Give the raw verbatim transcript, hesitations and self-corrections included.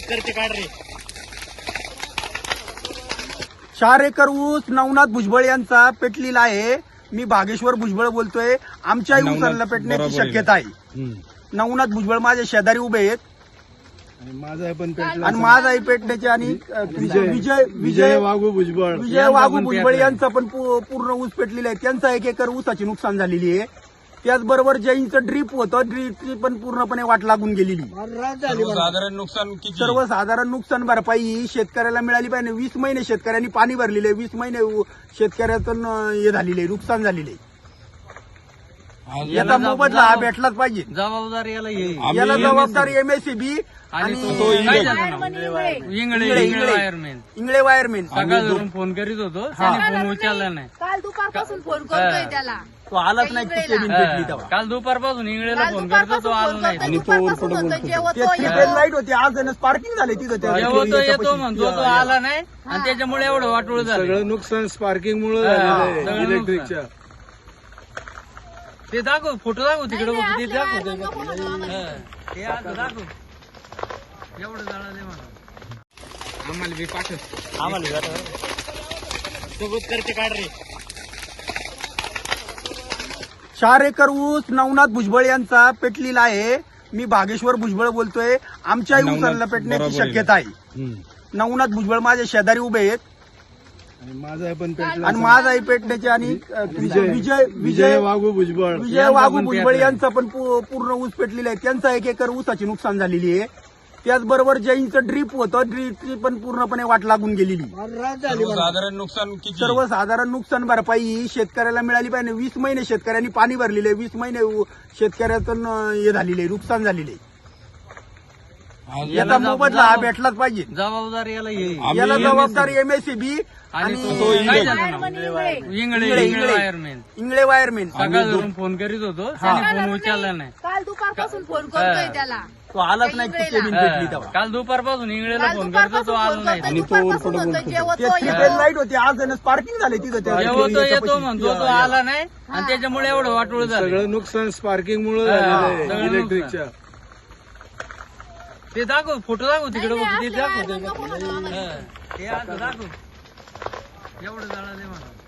करते काढ रे. चार एकर ऊस नवनाथ भुजबळ यांचा पेटलेला आहे. मी भागेश्वर भुजबळ बोलतोय. आमच्याही ऊसाला पेटण्याची शक्यता आहे. नवनाथ भुजबळ माझे शेजारी उभे आहेत आणि माझा पण पेटला आणि माझाही पेटण्याचे आणि विजय विजय विजय वाघू भुजबळ विजय वाघू भुजबळ यांचा पण पू- पूर्ण ऊस पेटलेला आहे. त्यांचा एक एकर ऊसाची नुकसान झालेली आहे. त्याचबरोबर जैनचं ड्रीप होतं, ड्रीपची पण पूर्णपणे वाट लागून गेलेली. साधारण नुकसान किती? सर्वसाधारण नुकसान भरपाई ही शेतकऱ्याला मिळाली पाहिजे. वीस महिने शेतकऱ्यांनी पाणी भरलेले, वीस महिने शेतकऱ्याचं हे झालेले आहे, नुकसान झालेले. याचा मोबदला हा भेटलाच पाहिजे. जबाबदार याला येईल. याला जबाबदार एमएससीबी आणि आणि तो इंगळे इंगळे इंगळे वायरमॅन इंगळे वायरमॅन सकाळवरून फोन करीत होतो, त्याने फोन उचलला नाही. काल दुपारपासून फोन करतोय त्याला. तो आलाच नाही. ती केबिन भेटली तेव्हा. काल दुपारपासून इंगळेला काल फोन करतो, तो दुपारपासून आला फोन नाही. करतोय, दुपारपासून म्हणतोय, जेव्हा ते तो थ्री येतो. फेज लाईट होती. आज स्पार्किंग झाले तिथं त्या जेव्हा तो येतो म्हणतो, तो आला नाही आणि त्याच्यामुळे एवढं वाटोळ झालं. सगळं नुकसान स्पार्किंग मुळे हा, झालेलं सगळं आहे इलेक्ट्रिकच्या. ते दाखव, फोटो दाखव तिकडे बघ, ते आपल्या दाखव ते. नको म्हणू आम्हाला. हा, ते आज दाखव एवढं झालं ते म्हणा. आम्हाला बी पाठव. आम्हाला सोबत करते काढ रे. चार एकर ऊस नवनाथ भुजबळ यांचा पेटलेला आहे. मी भागेश्वर भुजबळ बोलतोय. आमच्याही ऊसाला पेटण्याची शक्यता आहे. नवनाथ भुजबळ माझे शेजारी उभे आहेत आणि माझा पण पेटला आणि माझाही पेटण्याचे आणि विजय विजय विजय वाघू भुजबळ विजय वाघू भुजबळ यांचा पण पू- पूर्ण ऊस पेटलेला आहे. त्यांचा एक एकर ऊसाची नुकसान झालेली आहे. त्याचबरोबर जैनचं ड्रीप होतं, ड्रीपची पण पूर्णपणे वाट लागून गेलेली. साधारण नुकसान किती? सर्वसाधारण नुकसान भरपाई ही शेतकऱ्याला मिळाली पाहिजे. वीस महिने शेतकऱ्यांनी पाणी भरलेले, वीस महिने शेतकऱ्याचं हे झालेले आहे, नुकसान झालेले. याचा मोबदला हा भेटलाच पाहिजे. जबाबदार याला येईल. याला जबाबदार एमएससीबी आणि आणि तो इंगळे इंगळे इंगळे इंगळे वायरमॅन इंगळे वायरमॅन सकाळवरून फोन करीत होतो, त्याने फोन उचलला नाही. काल दुपारपासून फोन करतोय त्याला. तो आलाच नाही. ती केबिन भेटली तेव्हा. काल दुपारपासून इंगळेला काल फोन करतो, तो दुपारपासून आला फोन नाही. करतोय, दुपारपासून म्हणतोय, जेव्हा ते तो थ्री येतो. फेज लाईट होती. आज स्पार्किंग झाले तिथं त्या जेव्हा तो येतो म्हणतो, तो आला नाही आणि त्याच्यामुळे एवढं वाटोळ झालं. सगळं नुकसान स्पार्किंग मुळे हा, झालेलं सगळं आहे इलेक्ट्रिकच्या. ते दाखव, फोटो दाखव तिकडे बघ, ते आपल्या दाखव ते. नको म्हणू आम्हाला. हा, ते आज दाखव एवढं झालं ते म्हणा.